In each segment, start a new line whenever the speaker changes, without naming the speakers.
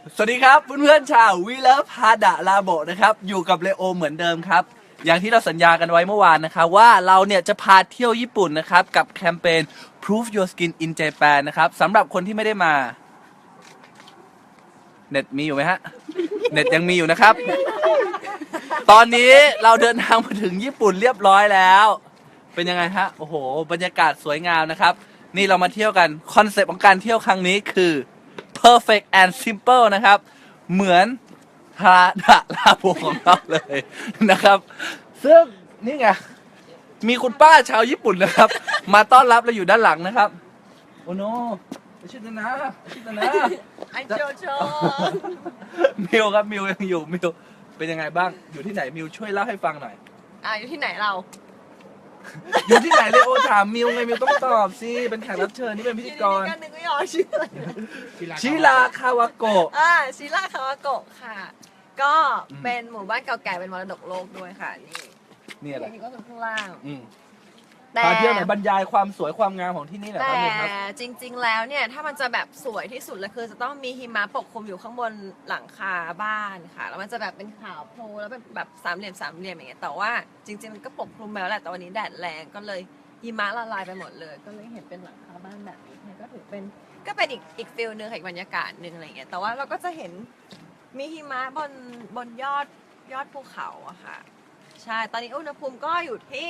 สวัสดีครับเพื่อนๆชาววีเลฟฮาดะลาโบนะครับอยู่กับเลโอเหมือนเดิมครับอย่างที่เราสัญญากันไว้เมื่อวานนะครับว่าเราเนี่ยจะพาเที่ยวญี่ปุ่นนะครับกับแคมเปญ Proof Your Skin in Japan นะครับสำหรับคนที่ไม่ได้มาเน็ตมีอยู่ไหมฮะเน็ตยังมีอยู่นะครับตอนนี้เราเดินทางมาถึงญี่ปุ่นเรียบร้อยแล้วเป็นยังไงฮะโอ้โหบรรยากาศสวยงามนะครับนี่เรามาเที่ยวกันคอนเซปต์ของการเที่ยวครั้งนี้คือ perfect and simple นะครับเหมือนฮาดะลาโบของเราเลยนะครับซึ่งนี่ไงมีคุณป้าชาวญี่ปุ่นนะครับมาต้อนรับเราอยู่ด้านหลังนะครับโอ้โนชิตนะชิตนะ
ไอโจโจ
มิวครับมิวยังอยู่มิวเป็นยังไงบ้างอยู่ที่ไหนมิวช่วยเล่าให้ฟังหน่อย
อยู่ที่ไหนเรา
อยู่ที่ไหนเลยโอถามมิวไงมิวต้องตอบสิเป็นแขกรับเชิญนี่เป็นพิธีกร
กันนึงไม่ออกชื่ออะไร
ชิราคาวาโกะ
ชิราคาวาโกะค่ะ ก็เป็นหมู่บ้านเก่าแก่เป็นมรดกโลกด้วยค่ะ
นี่อะไร
นี่ก็คือข้างล่าง
พาเที่ยวไหนบรรยายความสวยความงามของที่นี่หน่อยค
แต่
รับมิวครับ
จริง ๆ แล้วเนี่ยถ้ามันจะแบบสวยที่สุดเลยคือจะต้องมีหิมะปกคลุมอยู่ข้างบนหลังคาบ้านค่ะ แล้วมันจะแบบเป็นขาวโพลนแล้วเป็นแบบสามเหลี่ยมอย่างเงี้ยแต่ว่าจริงๆมันก็ปกคลุมไปแล้วแหละแต่วันนี้แดดแรงก็เลยหิมะละลายไปหมดเลย ก็เลยเห็นเป็นหลังคาบ้านแบบนี้ก็ถือเป็นอีกฟิลนึงค่ะอีกบรรยากาศนึงอะไรเงี้ยแต่ว่าเราก็จะเห็นมีหิมะบนยอดภูเขาอะค่ะใช่ตอนนี้อุณหภูมิก็อยู่ที่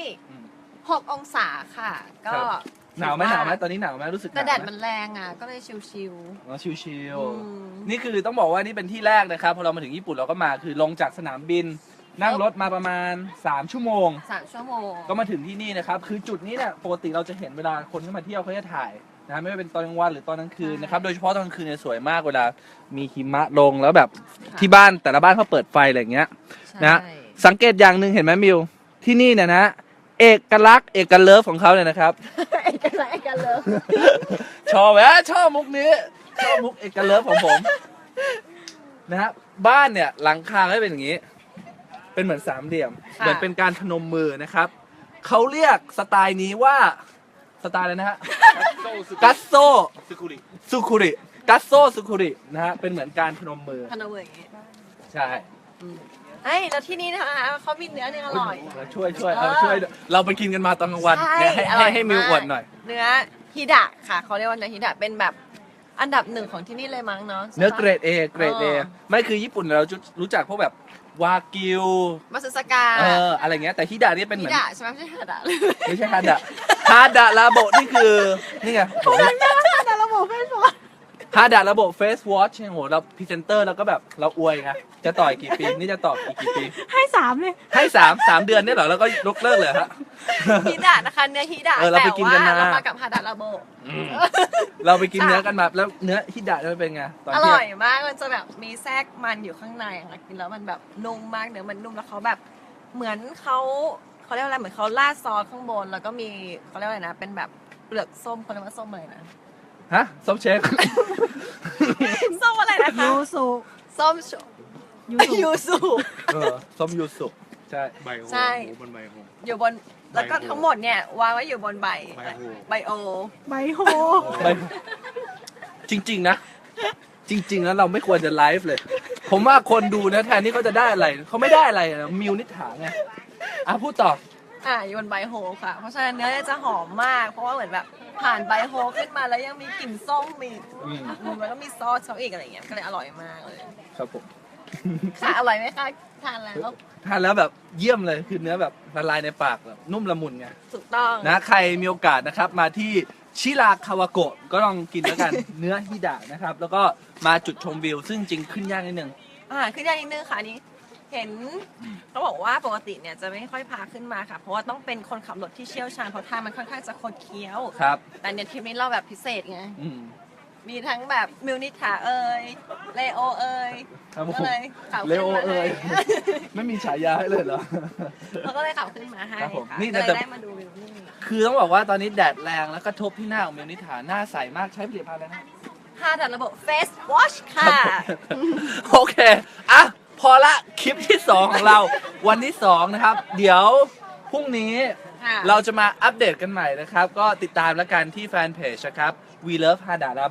6 องศาค่ะ ก็
หนาวไหมตอนนี้หนาวไหมรู้สึกห
แต่
นาว
แดด
ไหม
มันแรงอ่ะก็เลยชิว
อ๋อชิว
อืม
ๆนี่คือต้องบอกว่านี่เป็นที่แรกนะครับพอเรามาถึงญี่ปุ่นเราก็มาคือลงจากสนามบิน นั่งรถมาประมาณ3 ชั่วโมง
3 ชั่วโมง
ก็มาถึงที่นี่นะครับคือจุดนี้เนี่ยปกติเราจะเห็นเวลาคนที่มาเที่ยวเขาจะถ่ายนะไม่ว่าเป็นตอนกลางวันหรือตอนกลางคืนนะครับโดยเฉพาะตอนกลางคืนเนี่ยสวยมากเวลามีหิมะลงแล้วแบบที่บ้านแต่ละบ้านเขาเปิดไฟอะไรอย่างเงี้ย นะ
ใช่
สังเกตอย่างหนึ่งเห็นไหมมิวที่นี่เนี่ยนะเอกลักษณ์เอกเลิฟของเขาเนี่ยนะครับ
เอกลักษณ์เอกเลิฟ
ชอบแหมชอบมุกนี้ชอบมุกเอกเลิฟของผมนะฮะบ้านเนี่ยหลังคาก็เป็นอย่างนี้ เป็นเหมือนสามเหลี่ยมเหมือนเป็นการพนมมือนะครับเขาเรียกสไตล์นี้ว่าสไตล์อะไรนะฮะกัสโซสุคุริกัสโซสุคุรินะฮะเป็นเหมือนการพนมมือ
พนมมืออย่างงี้
ใช่
เฮ้ยแล้วที่นี่นะคะเขามีเนื้ออร่อย
ช่วยเราไปกินกันมาตอนกลางวัน
ใช่
เนี่ย
อร่อย
ให้มิว
มาก
อวดหน่อย
เนื้อฮิดะค่ะเขาเรียกว่าเนื้อฮิดะเป็นแบบอันดับ1ของที่นี่เลยมั้งเนาะ
เนื้อเกรด A เกรด A
อ๋อ
ไม่คือญี่ปุ่นเราจะรู้จักพวกแบบวากิว
มาซึสกา
อะไรเงี้ยแต่ฮิดะนี่เป็นเห
ฮิ
มือน
ดะใช่ไหมไม่ใช่ฮิดะ
ไม่ใช่ฮาดะฮาดะลาโบนี่คือนี่ไงโห
แต่ระบบไม่พอ
ฮาดะระบบเฟสวอชโหเราพรีเซนเตอร์แล้วก็แบบเราอวยไงจะต่อยกี่ปีนี่จะต่อกี่ปี
ให้3เลย
ให้สามเดือนเนี่ยเหรอแล้วก็ยกเลิกเลยฮะ
ฮิดะนะคะเนื้อฮิดะ
เราไปกินกันมา
แต่ว่าเรามากับฮาดะระโบ
เราไปกินเนื้อกันมาแล้วเนื้อฮิดะจะเป็นไงตอน
อ
เที่
ร่
ย
อง ยมาก มันจะแบบมีแทรกมันอยู่ข้างในค่ะกินแล้วมันแบบนุ่มมากเนื้อมันนุ่มแล้วเขาแบบเหมือนเขาเรียกว่าอะไรเหมือนเขาราดซอสข้างบนแล้วก็มีเขาเรียกว่าอะไรนะ เป็นแบบเปลือกส้มเขาเรียกว่าส้มอะไรนะ
ฮะส้มเชฟ
ส้มอะไรนะคะ
ยูสุ
ส้ม
ยูสุ
ยูสุ
ส้มยูสุใช่
ใบโห
ใช่
บนใบโห
อยู่บนแล้วก็ทั้งหมดเนี่ยวางไว้อยู่บนใบ
ใบโห
ไบโอ
ใบโฮ
ไม่จริงๆนะ จริงๆแล้วเราไม่ควรจะไลฟ์เลย ผมว่าคนดูนะแทนที่เขาจะได้อะไรเขาไม่ได้อะไรนะมิวนิษฐาไงพูดต่อ
อยู่บนใบโฮค่ะ เพราะฉะนั้นเนื้อเนี่ยจะหอมมาก เพราะว่าเหมือนแบบผ่านใบโฮขึ้นมาแล้วยังมีกลิ่นส้มมีแล้วก็มีซอสเขาอีกอะไรอย่างเงี้ยก็เลยอร่อยมากเลย
ครับผม
ค่ะอร่อยไหมคะทานแล้ว
ทานแล้วแบบเยี่ยมเลยคือเนื้อแบบละลายในปากแบบนุ่มละมุนไง
ถูกต้อง
นะใครมีโอกาสนะครับมาที่ชิราคาวาโกะก็ลองกินแล้วกัน เนื้อฮิดะนะครับแล้วก็มาจุดชมวิวซึ่งจริงขึ้นยากนิดนึง
ขึ้นได้นิดนึงค่ะอันนี้ เห็นเขาบอกว่าปกติเนี่ยจะไม่ค่อยพาขึ้นมาค่ะ เพราะว่าต้องเป็นคนขับรถที่เชี่ยวชาญเพราะทางมันค่อนข้างจะคดเคี้ยว
ครับ
แต่เนี่ยทริปนี้เราแบบพิเศษไง
อืม
มีทั้งแบบมิวนิถาเอ่ยเลโอเอ่ย
ครับผม
ก็เลยขับ
เล
ขึ้น
โอ
มา
เอ่ย
ให้
ไม่มีฉายาให้เลยเหรอ
เขาก็เลยขับขึ้นมาให้
ครับผม
ค่ะ
นี่
ก็เล
แต่
ยได้มาดูวิวนี่
คือต้องบอกว่าตอนนี้แดดแรงแล้วก็ทบที่หน้าของมิวนิถาหน้าใสมากใช้ผลิตภัณฑ์อะไรนะ
ค่าดัดระบบ Face Wash ค่ะ
โอเค อ่ะ พอละคลิปที่ 2 ของเรา วันที่ 2 นะครับ เดี๋ยวพรุ่งนี้
ค่ะ
เราจะมาอัปเดตกันใหม่นะครับ ก็ติดตามแล้วกันที่แฟนเพจนะครับ We Love Hada Labo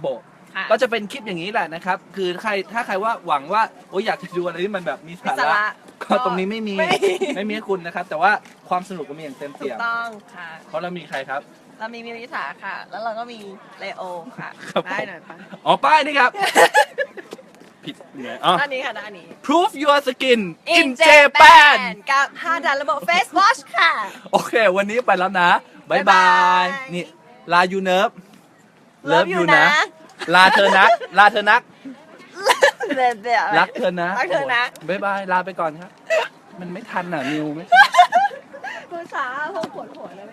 ค่ะ
ก็จะเป็นคลิปอย่างนี้แหละนะครับ คือถ้าใครว่าหวังว่าโอ้ยอยากจะดูอะไรที่มันแบบมีสา
สา
ระ
ระ
ก็ตรงนี้ไม่มีไม่มีให้คุณนะครับ แต่ว่าความสนุกก็มีอย่างเต็ม
ถู
เปี่
ก
ยม
ต้องค่ะ
เพราะเรามีใครครับ
เรามีมิวนิสาค่ะ แล้วเราก็มีเลโอค่ะ
ครับผม
ได้หน่อยปะ
อ๋อป้ายนี่ครับ ผิดเนี่ยอ๋อ
ด้านนี้ค่ะด้านนี้
Proof your skin in Japan
กับ5 ดานระบบ Face Wash ค่ะ
โอเค วันนี้ไปแล้วนะบายบา
บ๊าย
ย
บาย
นี่ ลายูเนิร์ฟ
Love you นะ
ลาเธอนัก ลาเธอนัก
เดี๋ยว
รักเธอนะ
รักเธอนะ
บายบาย ลาไปก่อนครับ มันไม่ทันอ่ะ นิวไม่
ภาษาพวกปวดหัวเลย